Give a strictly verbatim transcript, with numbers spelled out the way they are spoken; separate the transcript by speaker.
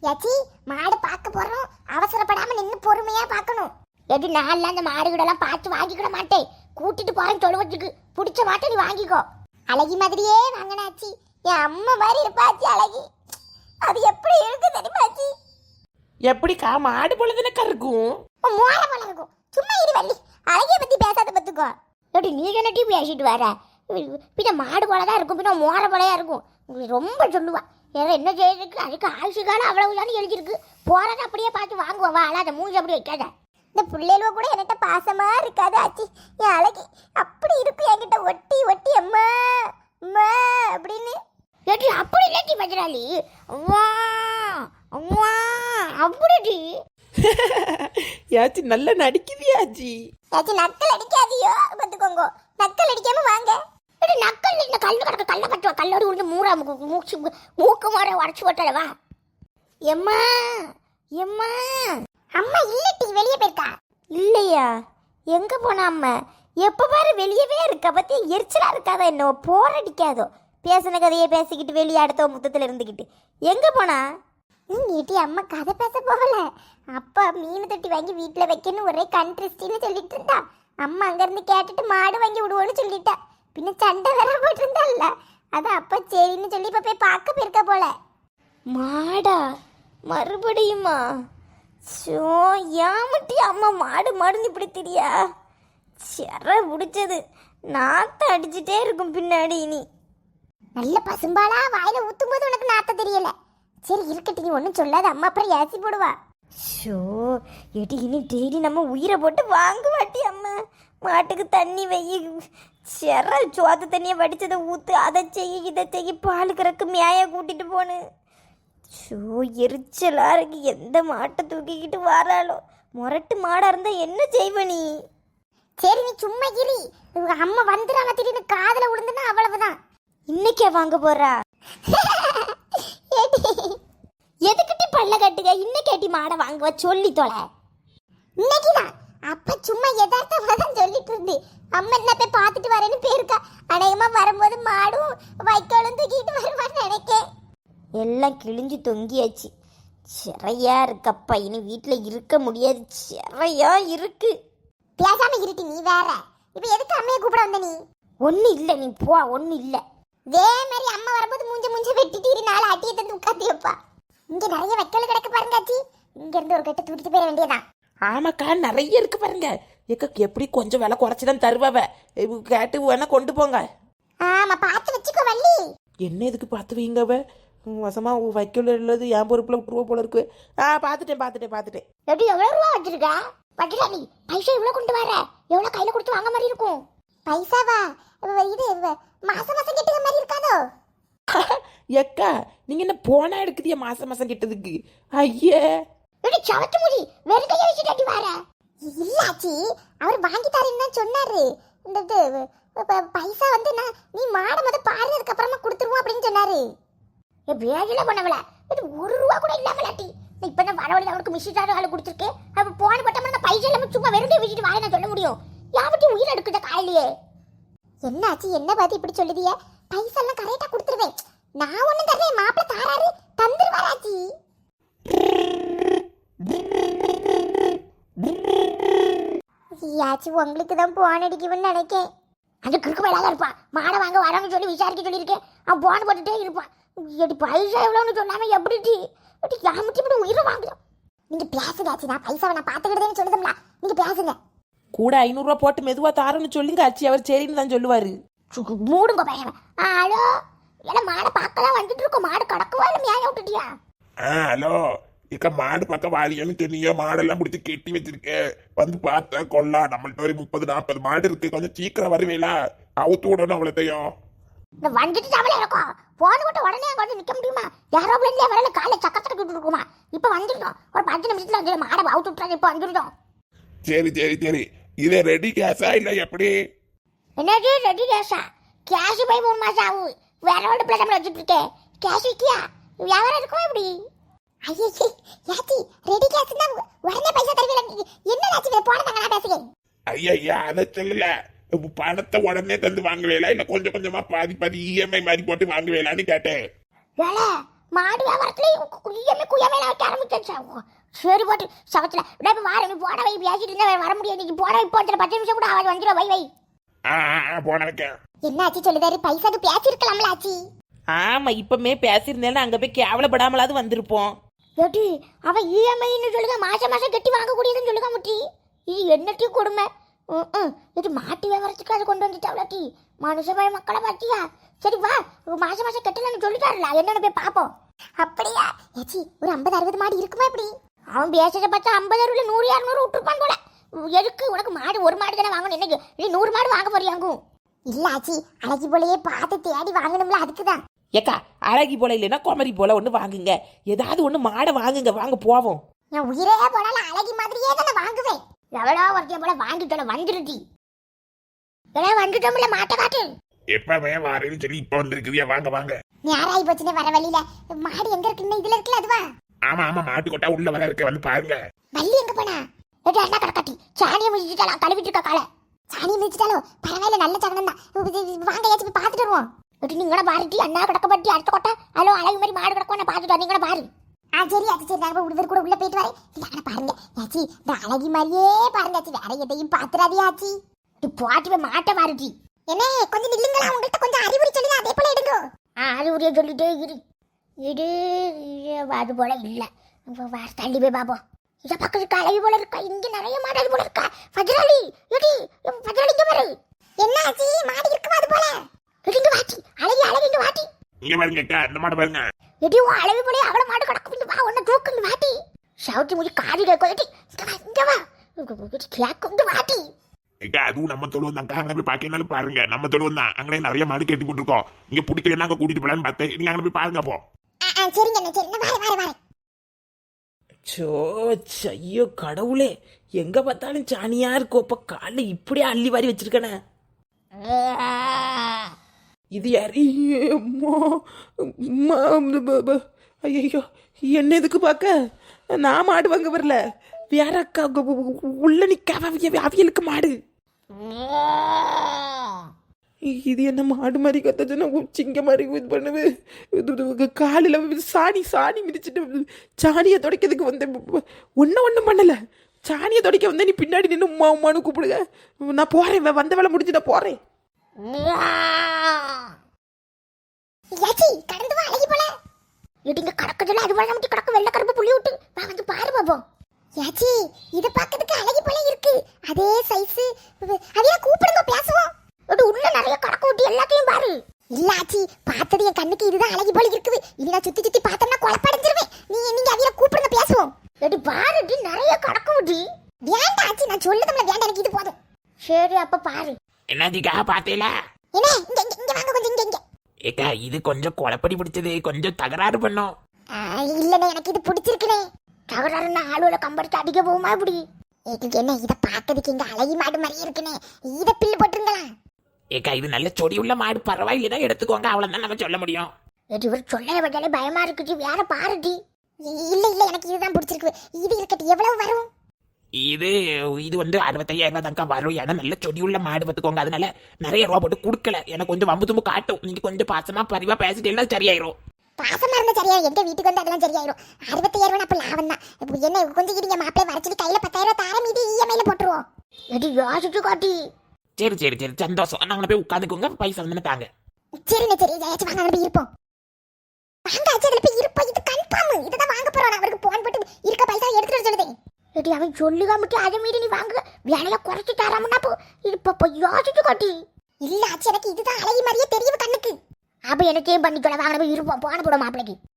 Speaker 1: யாச்சி மாடு பார்க்க போறோம், அவசரப்படாம நின்னு பொறுமையா பார்க்கணும். எது நாள்ல அந்த மாடு கூட எல்லாம் பார்த்து வாங்கிக்கிட மாட்டேன், கூட்டிட்டு போறேன் தொழுவத்துக்கு. பிடிச்ச மாட்டை நீ வாங்கிக்கோ. அழகி மாதிரியே வாங்கினாச்சி, என் அம்மா மாதிரி இருப்பாச்சி அழகி. அது எப்படி இருக்கு தெரியுமாச்சி?
Speaker 2: எப்படிக்கா மாடு போலதுனக்கா இருக்கும்?
Speaker 1: மோள போல இருக்கும். சும்மா இரு வள்ளி, அழகிய பத்தி பேசாத பத்துக்கோ. எப்படி நீ என்னட்டி பேசிட்டு வர? பின்ன மாடு போலதான் இருக்கும், பின்ன மோர போலையா இருக்கும். ரொம்ப சொல்லுவா. ஏன்னா என்ன செய்யறதுக்கு, அதுக்கு ஆயுசு காலம் அவ்வளவுதானு எழுதிருக்கு. போறத அப்படியே பார்த்து வாங்குவோம். வா அழாத, மூஞ்சி அப்படி வைக்காத. இந்த பிள்ளைகளுவ கூட என்கிட்ட பாசமா இருக்காது ஆச்சி. என் அழகி அப்படி இருக்கு, என்கிட்ட ஒட்டி ஒட்டி அம்மா அம்மா அப்படின்னு. ஏட்டி அப்படி இல்லாட்டி பஜ்ராலி, அம்மா அம்மா அப்படி.
Speaker 2: யாச்சி நல்லா நடிக்குதியாச்சி.
Speaker 1: யாச்சி நக்கல் அடிக்காதியோ பார்த்துக்கோங்க. நக்கல் அடிக்காம வாங்க. இது நக்கல் இந்த கல்லு கிடக்க கல்ல கட்டுவா. கல்லோடு உள்ள மூரா மூச்சு மூக்கு மாற உடச்சு போட்டலவா. எம்மா எம்மா அம்மா இல்லட்டி வெளியே போயிருக்கா. இல்லையா? எங்க போனா அம்மா? எப்ப பாரு வெளியவே இருக்கா. பத்தி எரிச்சலா இருக்காதா? என்ன போர் அடிக்காதோ? பேசின கதையை பேசிக்கிட்டு வெளியே அடுத்த முத்தத்துல இருந்துக்கிட்டு எங்க போனா? நீட்டி அம்மா கதை பேச போகல. அப்பா மீன் தொட்டி வாங்கி வீட்டுல வைக்கணும் ஒரே கண்ட்ரிஸ்டின்னு சொல்லிட்டு இருந்தா. அம்மா அங்க இருந்து கேட்டுட்டு மாடு வாங்கி விடுவோன்னு சொல்லிட்டா. பின்ன சண்டை வேற போட்டு இருந்தால, அதான் அப்பா சரின்னு சொல்லி இப்ப போய் பார்க்க போயிருக்க போல. மாடா மறுபடியுமா? சோ ஏமட்டி அம்மா மாடு மாடுன்னு இப்படி தெரியா? செற பிடிச்சது. நாத்த அடிச்சுட்டே இருக்கும் பின்னாடி. இனி நல்ல பசும்பாலா வாயில ஊத்தும் போது உனக்கு நாத்த தெரியல. சரி இருக்கட்டும், நீ ஒன்றும் சொல்லாத. அம்மா அப்புறம் ஏசி போடுவா. ஷோ ஏட்டி இனி டெய்லி நம்ம உயிரை போட்டு வாங்க மாட்டி அம்மா. மாட்டுக்கு தண்ணி வெயி, செற சோத்து தண்ணியை வடிச்சதை ஊத்து, அதை செய்ய இதை செய்ய, பால் கறக்கு மேய கூட்டிட்டு போனு. ஷோ எரிச்சலா இருக்கு. எந்த மாட்டை தூக்கிக்கிட்டு வராளோ. முரட்டு மாடா இருந்தா என்ன செய்வ நீ? சரி நீ சும்மா இரு. அம்மா வந்துடுறாங்க திடீர்னு காதுல விழுந்துன்னா அவ்வளவுதான். இன்னைக்கே வாங்க போறா? எதுக்கிட்டி பல்ல கட்டுக? இன்னைக்கேட்டி மாடை வாங்குவ சொல்லி தொலை. இன்னைக்குதான். அப்ப சும்மா எதார்த்தமா தான் சொல்லிட்டு இருந்து. அம்மா என்ன போய் பார்த்துட்டு வரேன்னு போயிருக்கா. அநேகமா வரும்போது மாடும் வைக்கோலும் தூக்கிட்டு வருவான்னு நினைக்கேன். எல்லாம் கிழிஞ்சு தொங்கியாச்சு. சிறையா இருக்கப்பா. இனி வீட்டுல இருக்க முடியாது. சிறையா இருக்கு. பேசாம இருட்டி நீ வேற. இப்ப எதுக்கு அம்மையை கூப்பிட வந்த நீ? ஒண்ணு இல்ல, நீ போ. ஒண்ணு இல்ல. இதே மாதிரி அம்மா வரும்போது மூஞ்ச மூஞ்ச வெட்டிட்டு இரு. நாலு அட்டியை தந்து உட்காந்து வைப்பா. இங்க நிறைய வைக்கோல் கிடக்கு பாருங்காச்சி. இங்க இருந்து ஒரு கட்டு தூக்கிட்டு போயிட வேண்டியதான்.
Speaker 2: ஆமாக்கா நிறைய இருக்கு பாருங்க. ஏக்கா எப்படி கொஞ்சம் விலை குறைச்சிதான் தருவாவ. கேட்டு வேணா கொண்டு போங்க.
Speaker 1: ஆமா பார்த்து வச்சுக்கோ வள்ளி.
Speaker 2: என்ன எதுக்கு பார்த்து வைங்கவ? வசமா வைக்கல உள்ளது என் பொறுப்புல விட்டுருவா போல இருக்கு. ஆ பாத்துட்டேன் பாத்துட்டேன் பாத்துட்டேன்.
Speaker 1: எப்படி எவ்வளவு ரூபா வச்சிருக்கா? வட்டிலா நீ பைசா இவ்வளவு கொண்டு வர? எவ்வளவு கையில கொடுத்து வாங்க மாதிரி இருக்கும்? பைசாவா? இது மாசம் மாசம் கெட்டுற மாதிரி இருக்காதோ?
Speaker 2: ஏக்கா நீங்க என்ன போனா எடுக்குதியா மாசம் மாசம் கெட்டதுக்கு? ஐயே
Speaker 1: எப்படி சவத்து முடி வெறும் கையை வச்சுட்டு வர? இல்லாச்சி அவர் வாங்கி தரேன்னு தான் சொன்னாரு. இந்த பைசா வந்து நான் நீ மாட முத பாரு, அதுக்கப்புறமா கொடுத்துருவோம் அப்படின்னு சொன்னாரு. ஏ வேலையில பண்ணவள இது ஒரு ரூபா கூட இல்லாமலாட்டி. இப்ப நான் வரவழியில் அவருக்கு மிஷிட்டாரு ஆளு கொடுத்துருக்கேன். அப்ப போன பட்டமா நான் பைசா இல்லாம சும்மா வெறும் கை வச்சுட்டு வாங்க நான் சொல்ல முடியும்? யாவட்டி உயிர் எடுக்குத காலையிலேயே. என்னாச்சு? என்ன பார்த்து இப்படி சொல்லுதிய? பைசா எல்லாம் கரெக்டா கொடுத்துருவேன். நான் ஒண்ணும் தரேன், மாப்பிள்ள தாராரு தந்துருவாராச்சி. யாச்சி உங்களுக்கு தான் போன் அடிக்கும்னு நினைக்கேன். அது கிறுக்கு மேலாக இருப்பான். மாடை வாங்க வரான்னு சொல்லி விசாரிக்க சொல்லியிருக்கேன். அவன் போன் போட்டுட்டே இருப்பான். எடி பைசா எவ்வளோன்னு சொல்லாம எப்படி யாமட்டி இப்படி உயிரை வாங்கலாம். நீங்க பேசுங்க ஆச்சி, நான் பைசாவை நான் பார்த்துக்கிட்டேன்னு சொல்லுதம்ல. நீங்க பேசுங்க.
Speaker 2: கூட ஐநூறுரூவா போட்டு மெதுவா தாரன்னு சொல்லுங்க ஆச்சி. அவர் சரின்னு தான் சொல்லுவாரு.
Speaker 1: மூடுங்க பையன். ஹலோ ஏன்னா மாடை பார்க்கலாம் வந்துட்டு இருக்கோம். மாடு கடக்குவா இல்லை மேய விட்டுட்டியா?
Speaker 3: ஆ ஹலோ இக்க மாடு பக்கம் வாலியன்னு சொன்னீங்க. மாடெல்லாம் முடிச்சு கெட்டி வச்சிருக்கேன். வந்து பார்த்தா கொள்ளா நம்மள்ட்ட ஒரு முப்பது நாற்பது மாடு இருக்கு. கொஞ்சம் சீக்கிரம் வருவீங்களா? அவுத்து விடணும் அவ்வளோத்தையும்.
Speaker 1: இந்த வந்துட்டு தவளை இருக்கும். போன விட்டு உடனே அங்கே நிற்க முடியுமா? யாரோ பிள்ளைங்களே வரல, காலை சக்கரத்தை விட்டு இருக்குமா? இப்போ வந்துட்டோம். ஒரு பத்து நிமிஷத்துல வந்து மாடை அவுத்து விட்டுறாங்க. இப்போ வந்துட்டோம்.
Speaker 3: சரி சரி சரி. இது ரெடி கேஷா இல்லை எப்படி?
Speaker 1: என்னது ரெடி கேஷா? கேஷ் போய் மூணு மாசம் ஆகும். வேற ஒரு பிள்ளை நம்மள வச்சுட்டு இருக்கேன். கேஷ் விற்கியா? வியாபாரம் இருக்கும் எப்படி? ஐயே யாச்சி ரெடி கேஷ் தான் உடனே பைசா தருவீங்க. என்ன ஆச்சு? போன தாங்க நான் பேசுகிறேன்.
Speaker 3: ஐயா அதை சொல்லல. பணத்தை உடனே தந்து வாங்குவேலா இல்ல கொஞ்சம் கொஞ்சமா பாதி பாதி இஎம்ஐ மாதிரி போட்டு வாங்குவேலான்னு கேட்டேன்.
Speaker 1: வேலை மாடு வியாபாரத்துல குய்யமே குய்யமே வைக்க ஆரம்பிச்சா. சரி போட்டு சவத்துல விட இப்ப வார நீ போட வை பேசிட்டு இருந்தா வர முடியாது. நீங்க போட வை போட்டு பத்து நிமிஷம் கூட ஆவாது வந்துடும். வை வை
Speaker 3: ஆ ஆ, ஆ, போன வைக்கேன்.
Speaker 1: என்ன ஆச்சு சொல்லுதாரு? பைசாக்கு பேசிருக்கலாம்ல ஆச்சி.
Speaker 2: ஆமா இப்பமே பேசியிருந்தேன்னா அங்க போய் கேவலப்படாமலாவது வந்திருப்போம்.
Speaker 1: ஏடி அவ இஎம்ஐன்னு சொல்லுங்க, மாசம் மாசம் கட்டி வாங்கக்கூடியதுன்னு சொல்லுங்க முட்டி. இது என்னத்தையும் கொடுமை. ம் இது மாட்டு வியாபாரத்துக்கு அதை கொண்டு வந்துட்டாவளாட்டி. மனுஷபாய மக்களை பார்த்தியா? சரி வா மாசம் மாசம் கட்டலன்னு சொல்லிட்டாருல, என்னன்னு போய் பார்ப்போம். அப்படியா ஏச்சி ஒரு ஐம்பது அறுபது மாடு இருக்குமா இப்படி? அவன் பேசுறத பார்த்தா ஐம்பது அறுபதுல நூறு இரநூறு விட்டுருப்பான் போல. எதுக்கு உனக்கு மாடு ஒரு மாடு தானே வாங்கணும், என்னைக்கு நீ நூறு மாடு வாங்க போறியாங்கும்? இல்ல ஆச்சி அழகி போலயே பார்த்து தேடி வாங்கணும்ல, அதுக்குதான்.
Speaker 2: ஏக்கா அழகி போல இல்லைன்னா குமரி போல ஒன்று வாங்குங்க. ஏதாவது ஒன்று மாடை வாங்குங்க, வாங்க போவோம்.
Speaker 1: நான் உயிரே போனாலும் அழகி மாதிரியே தானே வாங்குவேன். எவ்வளோ ஒருத்தைய போல வாங்கிட்டோல வந்துருட்டி. எல்லாம் வந்துட்டோம்ல மாட்டை காட்டு.
Speaker 3: எப்பவே வாரேன்னு சொல்லி இப்ப வந்திருக்குதியா, வாங்க வாங்க.
Speaker 1: நேராயி போச்சுன்னு வர வழியில மாடு எங்க இருக்குன்னு இதுல இருக்குல்ல அதுவா?
Speaker 3: ஆமா ஆமா, மாட்டு கொட்டா உள்ள வர இருக்க, வந்து பாருங்க.
Speaker 1: வள்ளி எங்க போனா? ஏடி அண்ணா கடக்காட்டி சாணியை மிதிச்சிட்டாலும் கழுவிட்டு இருக்கா காலை. சாணியை மிதிச்சிட்டாலும் பரவாயில்ல, நல்ல சகனம் தான். வாங்க ஏச்சு போய் பார்த்துட்டு வருவோம். ஏடி நீங்கள பாருட்டி அண்ணா கடக்கப்பட்டி அடுத்த கொட்டை அலோ அழகு மாதிரி மாடு கிடக்கும், நான் பார்த்துட்டு நீங்கள பாரு. ஆ சரி அது சரி, நாங்கள் உடவர் கூட உள்ள போயிட்டு வரேன். இல்லை பாருங்க ஏச்சி இந்த அழகி மாதிரியே பாருங்க ஆச்சி, வேற எதையும் பார்த்துடாதே ஆச்சி. போட்டு போய் மாட்டை மாறுட்டி. என்ன கொஞ்சம் நில்லுங்களா, உங்கள்கிட்ட கொஞ்சம் அறிவுரை சொல்லி அதே போல எடுங்க. ஆ அறிவுரையை சொல்லிட்டே இரு இரு அது போல இல்லை. தள்ளி போய் பாப்போம். இதை பக்கத்துக்கு அழகி போல இருக்கா, இங்க நிறைய மாடு அது போல இருக்கா. பஜ்ராளி ஏடி பஜ்ராளி இங்க பாரு. என்ன ஆச்சி மாடு இருக்குமா அது போல? இங்க வாட்டி அழகி அழகி இங்க வாட்டி.
Speaker 3: இங்க பாருங்க அக்கா, இந்த மாடு பாருங்க.
Speaker 1: எடி உன் அழகு போல அவள மாடு கிடக்கும், வா ஒன்னு தூக்கு வாட்டி. ஷவுட்டி முடி காதி கேட்கும். எடி இங்க வா இங்க வா கேட்கும் இங்க வாட்டி.
Speaker 3: அக்கா அதுவும் நம்ம தொழுவம் தான், அங்கே போய் பார்க்கனாலும் பாருங்க. நம்ம தொழுவம் தான், அங்கே நிறைய மாடு கேட்டு போட்டுருக்கோம். இங்க பிடிக்கலன்னா அங்கே கூட்டிட்டு போலான்னு பார்த்தேன். நீங்க அங்கே போய் பாருங்க அப்போ.
Speaker 1: சரிங்க என்ன சரி நான் வரேன் வரேன்.
Speaker 2: சோ ஐயோ கடவுளே, எங்க பார்த்தாலும் சாணியா இருக்கும். அப்ப காலைல இப்படியே அள்ளி வாரி வச்சிருக்கனே. இது யாரு? ஐயோ என்ன எதுக்கு பார்க்க? நான் மாடு வாங்க வரல, வேற அக்கா உள்ள நிக்க அவியலுக்கு மாடு. இது என்ன மாடு மாதிரி கத்தச்சுன்னா சிங்க மாதிரி இது பண்ணுது. காலில் சாணி சாணி மிதிச்சுட்டு சாணியை துடைக்கிறதுக்கு வந்தேன். ஒன்றும் ஒன்றும் பண்ணலை, சாணியை துடைக்க வந்தேன். நீ பின்னாடி நின்று உமா உமானு கூப்பிடுங்க. நான் போகிறேன், வந்த வேலை முடிஞ்சு நான் போகிறேன்.
Speaker 1: கடந்து வா அழகி போல. இடிங்க கடக்குதுல அது வளர்ந்து கடக்கு வெள்ளை கருப்பு புள்ளி விட்டு வா வந்து பாரு பாப்போம். யாச்சி இத பார்க்கிறதுக்கு அழகி போல இருக்கு, அதே சைஸ். அதையா கூப்பிடுங்க பேசுவோம். அது உள்ள நிறைய கடக்கு விட்டு எல்லாத்தையும் பாரு. இல்ல ஆச்சி பார்த்தது என் கண்ணுக்கு இதுதான் அழகி போல இருக்குது. இனி நான் சுத்தி சுத்தி பார்த்தோம்னா குழப்படைஞ்சிருவேன். நீங்க நீங்க அதையா கூப்பிடுங்க பேசுவோம். எடி பாருடி நிறைய கடக்கு விட்டு. வேண்டாம் ஆச்சி நான் சொல்லுதம்ல வேண்டாம், எனக்கு இது போதும். சரி அப்ப பாரு.
Speaker 3: என்னதுக்கா பார்த்தீங்களா?
Speaker 1: என்ன இங்க இங்க வாங்க கொஞ்சம் இங்க இங்க.
Speaker 3: ஏக்கா இது கொஞ்சம் குழப்படி பிடிச்சது, கொஞ்சம் தகராறு பண்ணோம்.
Speaker 1: இல்லண்ணே எனக்கு இது பிடிச்சிருக்குனே. தகராறுன்னா ஆளுல கம்பெடுத்து அடிக்க போகுமா இப்படி? எங்களுக்கு என்ன இதை பார்க்கறதுக்கு இங்க அழகி மாடு மாதிரி இருக்குனே, இதை பில்லு போட்டுருங்களா?
Speaker 3: ஏக்கா இது நல்ல சொடி உள்ள மாடு, பரவாயில்லைன்னா எடுத்துக்கோங்க, அவ்வளவுதான் நம்ம சொல்ல முடியும்.
Speaker 1: ஏடி ஒரு சொல்ல வச்சாலே பயமா இருக்குது, வேற பாருடி. இல்ல இல்ல எனக்கு இதுதான் பிடிச்சிருக்கு. இது இருக்கட்டு எவ்வளவு வரும்?
Speaker 3: இது இது வந்து அறுபத்தையாயிரம் ரூபாய் தான்க்கா வரும். ஏன்னா நல்ல சொடி உள்ள மாடு பார்த்துக்கோங்க, அதனால நிறைய ரூபா போட்டு கொடுக்கல. எனக்கு கொஞ்சம் வம்பு தும்பு காட்டும். நீங்க கொஞ்சம் பாசமா பரிவா பேசிட்டீங்கன்னா சரியாயிரும்.
Speaker 1: பாசமா இருந்தா சரியாயிரும், எங்க வீட்டுக்கு வந்து அதெல்லாம் சரியாயிரும். அறுபத்தாயிரம் ரூபாய் அப்ப லாபம் தான். என்ன கொஞ்சம் இருங்க, மாப்பிள்ளை வர சொல்லி கையில பத்தாயிரம் ரூபாய் தாரம் மீதி இஎம்ஐல போட்டுருவோம். எடி யோசிச்சு காட்டி.
Speaker 3: சரி சரி சரி சந்தோஷம், நாங்க போய் உட்காந்துக்கோங்க, பைசா வந்து தாங்க.
Speaker 1: சரிண்ணே சரி ஜெயாச்சு வாங்க போய் இருப்போம். வாங்க ஆச்சு அதுல போய் இருப்போம், இது கன்ஃபார்ம். இதுதான் வாங்க போறோம். அவருக்கு போன் போட்டு இருக்க பைசா எடுத்துட்டு சொல்லுதேன். ஏடி அவன் சொல்லுகாமட்டு அதை மீறி நீ வாங்க வேலையில குறைச்சி தராமன்னா போ. இது இப்போ யோசிச்சு காட்டி. இல்ல ஆச்சு எனக்கு இதுதான் அழகி மாதிரியே தெரியும் கண்ணுக்கு. அப்ப எனக்கே பண்ணிக்கொள்ள வாங்க போய் இருப்போம், போன போட மாப்பிளைக்கு.